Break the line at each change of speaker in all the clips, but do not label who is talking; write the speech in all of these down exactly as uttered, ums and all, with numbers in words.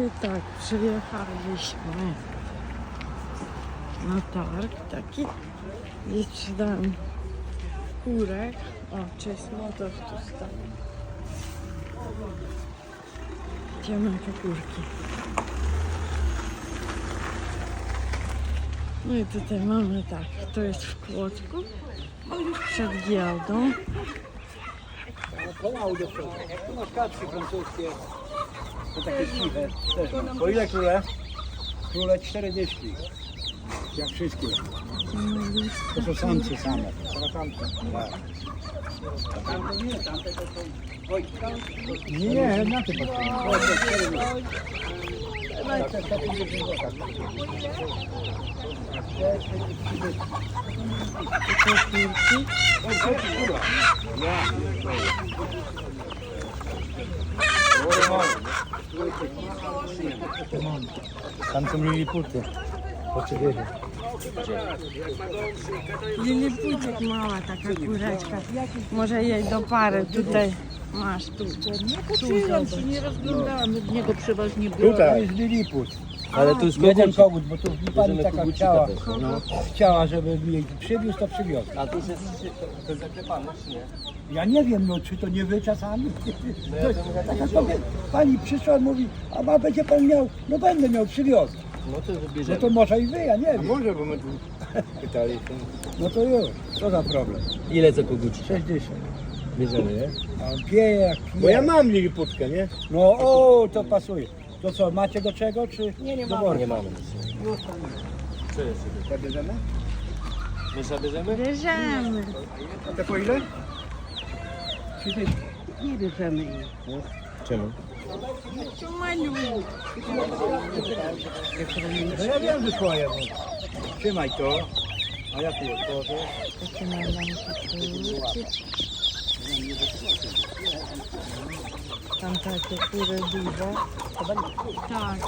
I tak, przyjechaliśmy na targ taki i sprzedałem kurek. O, cześć, motor tu stał. Idziemy po kurki. No i tutaj mamy tak, to jest w Kłodzku, przed giełdą.
Pomału do przodu. Tu masz kaczki francuskie. To takie ciche. Też mam. Po ile króle? Króle czterdzieści. Jak wszystkie. To są samce same. To samce. Tak. Tamte nie, tamte to są Wojtka. Nie, nie, na tym Tam są liliputy. Poczekajcie.
Liliputek mała taka kureczka. Może jej do pary tutaj masz tu.
Nie patrzyłam się, nie rozglądałam, od niego przeważnie było.
Tutaj jest liliput.
Ale tu jest
Jeden
kogucik.
kogut, bo tu pani
Bierzemy
taka
kogucika
chciała,
też,
no, chciała, żeby jej przywiózł, to przywiózł.
A tu jest, to jest zaklepane, czy nie?
Ja nie wiem, no czy to nie wy czasami.
No ja to mówię,
Taka
nie
kobieta, pani przyszła, mówi, a ma będzie pan miał, no będę miał, przywiózł.
No to
No
wybierzemy.
to może i wy, ja nie wiem.
Może, bo my tu pytali.
No to już, co za problem.
Ile za kogucik?
sześćdziesiąt.
Bierzemy, nie?
A on pieje jak pije.
Bo ja mam liliputkę, nie?
No o, to pasuje. To co, macie do czego, czy nie, nie do
Nie mamy nic. Co jest?
Zabierzemy?
My zabierzemy?
Bierzemy.
A te po ile?
Nie bierzemy jej.
Czemu?
Tu maluch.
No ja wiem, że swoje. No. Trzymaj to, a ja tu otworzę.
Takie najmniejsze kurki. Tam takie kury duże. Tak.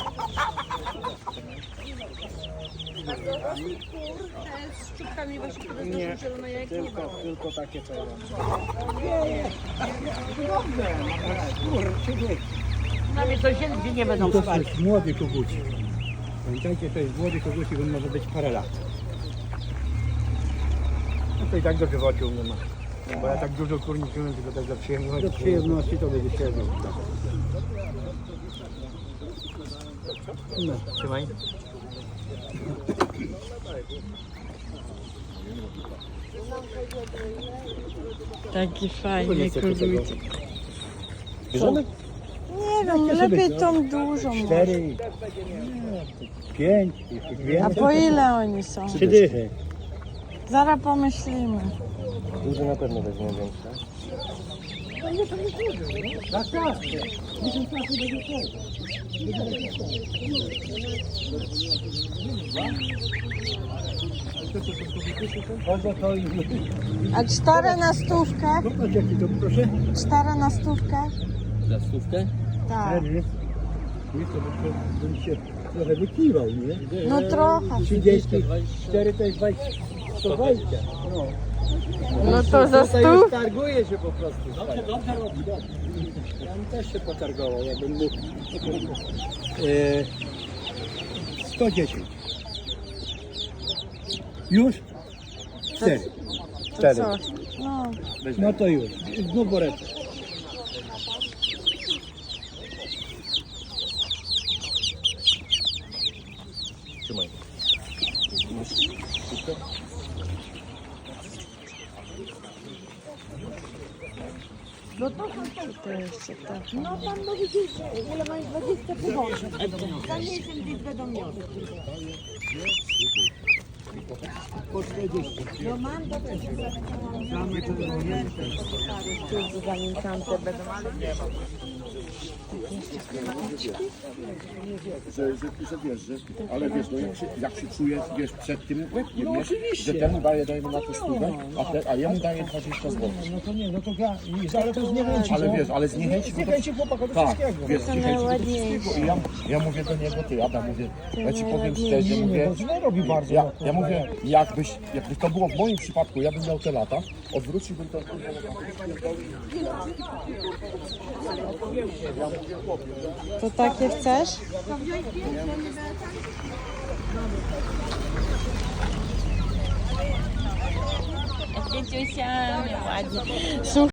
Z szczupkami właśnie, które
Nie,
są zielone jak
tylko, tylko takie co ja mam. Nie, nie. Dobrze, kurczę,
Na mnie to się nigdzie nie będą
to
spać.
jest młody kogucik. Pamiętajcie, to jest młody kogucik, on może być parę lat. No to i tak do żywotu nie ma. Bo ja tak dużo kur nie czułem, tylko tak dla przyjemności. Do przyjemności to będzie przyjemność. No, trzymaj.
Taki fajny kogucik.
Bierzemy?
Nie wiem, lepiej tą dużą może.
Cztery, nie, pięć, jeszcze
A
więcej.
po ile oni są?
Trzy dychy.
Zaraz pomyślimy.
Duży na pewno weźmiemy większe.
Tak, tak. Dziesięć razy będzie to. Chodzę to i...
A cztery na stówkę?
Popatrz jaki to, proszę.
Cztery na stówkę?
Za stówkę?
Tak.
Cztery. Nie, to by- to bym się trochę wykiwał, nie?
No trochę.
trzydzieści cztery to jest dwadzieścia. sto dwadzieścia. No.
No to za
Tutaj już
stów?
targuje się po prostu. Dobrze, dobrze robi, dobrze. Ja bym też się potargował, jakbym mógł. E, sto dziesięć. Już? Cztery.
To
Cztery.
co? No.
No to już. Znów woreczek.
Trzymaj.
To jeszcze tak.
No pan mówi, że ile masz dwadzieścia powożeń. Za miesiąc gdzieś będą miały.
Po czterdzieści.
No mam do tego.
Tu zanim tamte będą, ale nie ma.
Że, że, że wiesz, że, ale wiesz, no jak się, jak się czujesz, wiesz, przed tym łebkiem, no, że temu daje, dajemy na to stówę, a, te, a jemu daje dwadzieścia złotych.
No to nie, no to ja, ale to z niechęci.
Ale wiesz, ale z niechęci,
Z
no to,
niechęci chłopaka do
tak,
wszystkiego.
wiesz, z niechęci do wszystkiego. I ja, ja mówię do niego, ty Adam, mówię, ja ci powiem szczerze,
Nie,
mówię,
bo źle robi bardzo.
ja, ja mówię, jakbyś, jakby to było w moim przypadku, ja bym miał te lata, odwróciłbym to, ja mówię,
To takie chcesz?
Dzieciusia, ładnie.
Słuchaj.